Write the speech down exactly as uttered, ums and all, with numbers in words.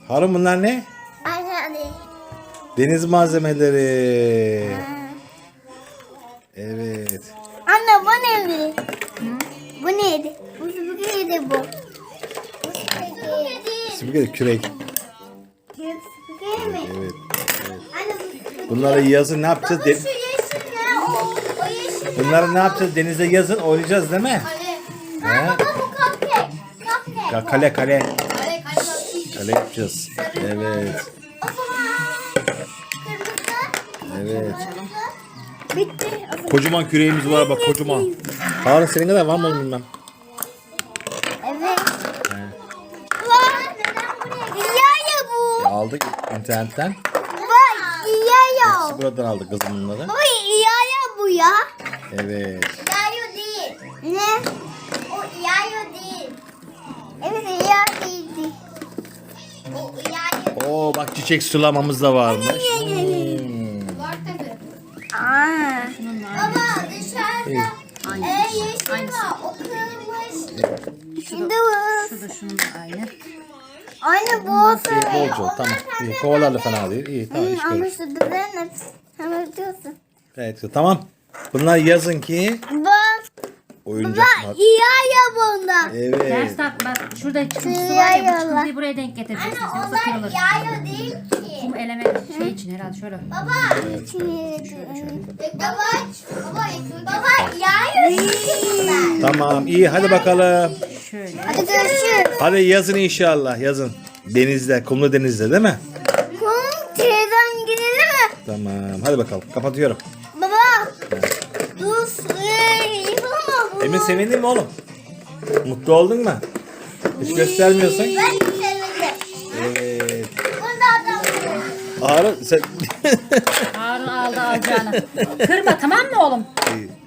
Harun bunlar ne? Anne. Deniz malzemeleri. Evet. Anne bu neydi? Bu neydi? Bu süpürgeydi bu. Bu süpürge. Süpürge kürek. Kürek süpürge mi? Evet. evet. Anne bu süpürge. Bunları yazın ne yapacağız? Baba De- şu yeşil ne? O, o yeşil ne? Bunları ne yapacağız? Denizde yazın oynayacağız değil mi? Anne. He? Ha baba bu cupcake. Cupcake. Ya kale kale. Kale kale. Kale yapacağız. Evet. O zaman kırmızı. Evet. Bitti. O zaman- Kocaman küreğimiz var bak kocaman. Harun senin kadar var mı oğlum bilmem. Evet. He. Var. İyaya bu. E, aldık internetten. Bak iyaya. Hepsi buradan aldık kızım bunları. Baba iyaya bu ya. Evet. İyayo değil. Ne? O iyayo değil. Evet iyayo değildi. O iyayo. Oo bak çiçek sulamamız da varmış. Hmm. Var tabii. Aa. Baba İyi. dışarıda e, yeşil var. O kırılmış. Şimdi bu. Şu da şunun da aynı. Aynı bu olsa. İyi bolca tamam. İyi kovalarla fena değil. İyi tamam iş Ama görür. şu düzen hepsi. Hemen diyorsun. Evet tamam. Bunlar yazın ki Bak. oyuncak Bak var. iyayo bunda. Evet. Ters tak bak. Şurada çıkıntısı var ya. Bu Yolla. çıkıntıyı buraya denk getireceksiniz. Yoksa kırılır. iyayo değil ki. Kum eleme şey için herhalde şöyle. Baba. Baba. Baba. Baba iyayo değil. Tamam iyi hadi bakalım. Şöyle. Hadi görüşürüz. Hadi yazın inşallah yazın. Denizde, kumlu denizde değil mi? Kum teyzen gidelim mi? Tamam hadi bakalım kapatıyorum. Baba. Dur. Eee, yapalım mı? Emin sevindin mi oğlum? Mutlu oldun mu? Hiç göstermiyorsun. Ben sevindim. Evet. Bunda adam. Harun sen... Harun aldı alacağını. Kırma tamam mı oğlum? İyi.